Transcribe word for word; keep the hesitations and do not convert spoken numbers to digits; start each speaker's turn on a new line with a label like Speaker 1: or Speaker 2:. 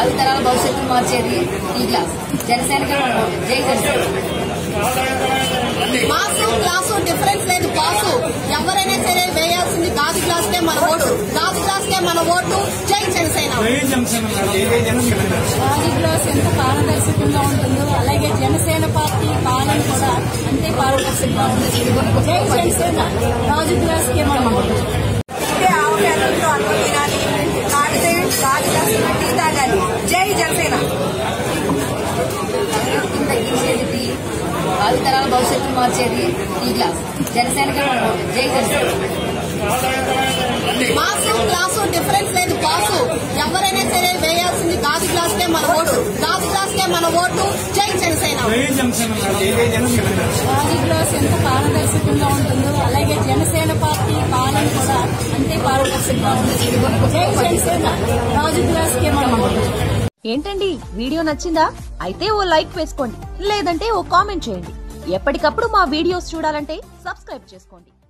Speaker 1: భావితరాల భవిష్యత్తు మార్చేది ఈ క్లాస్. జనసేనకి జై జనసేన.
Speaker 2: మాసు క్లాసు డిఫరెన్స్ లేదు. పాసు ఎవరైనా సరే వేయాల్సింది గాజు గ్లాస్ కే మన ఓటు. గాజు గ్లాస్ కే మన ఓటు. జై జనసేన.
Speaker 3: గాజు గ్లాస్ ఎంత పారదర్శకంగా ఉంటుందో అలాగే జనసేన పార్టీ పాలన కూడా అంతే పారదర్శకంగా ఉంటుంది. జై జనసేన. గాజు గ్లాస్ కే మన ఓటు.
Speaker 2: జై జనసేన.
Speaker 1: భావితరాల భవిష్యత్తు మార్చేది ఈ క్లాస్. జనసేనకి జై జనసేన.
Speaker 2: మాసు క్లాసు డిఫరెన్స్ లేదు. పాసు ఎవరైనా సరే వేయాల్సింది గాజు గ్లాస్ కే మన ఓటు. గాజు గ్లాస్ కే మన ఓటు. జై జనసేన.
Speaker 3: గాజు గ్లాస్ ఎంత పారదర్శకంగా ఉంటుందో అలాగే జనసేన పార్టీ పాలన కూడా అంతే పారదర్శకంగా ఉంటుంది. జై జనసేన. గాజు గ్లాస్ కే మన ఓటు.
Speaker 4: ఏంటండి వీడియో నచ్చిందా? అయితే ఓ లైక్ వేసుకోండి, లేదంటే ఓ కామెంట్ చేయండి. ఎప్పటికప్పుడు మా వీడియోస్ చూడాలంటే సబ్స్క్రైబ్ చేసుకోండి.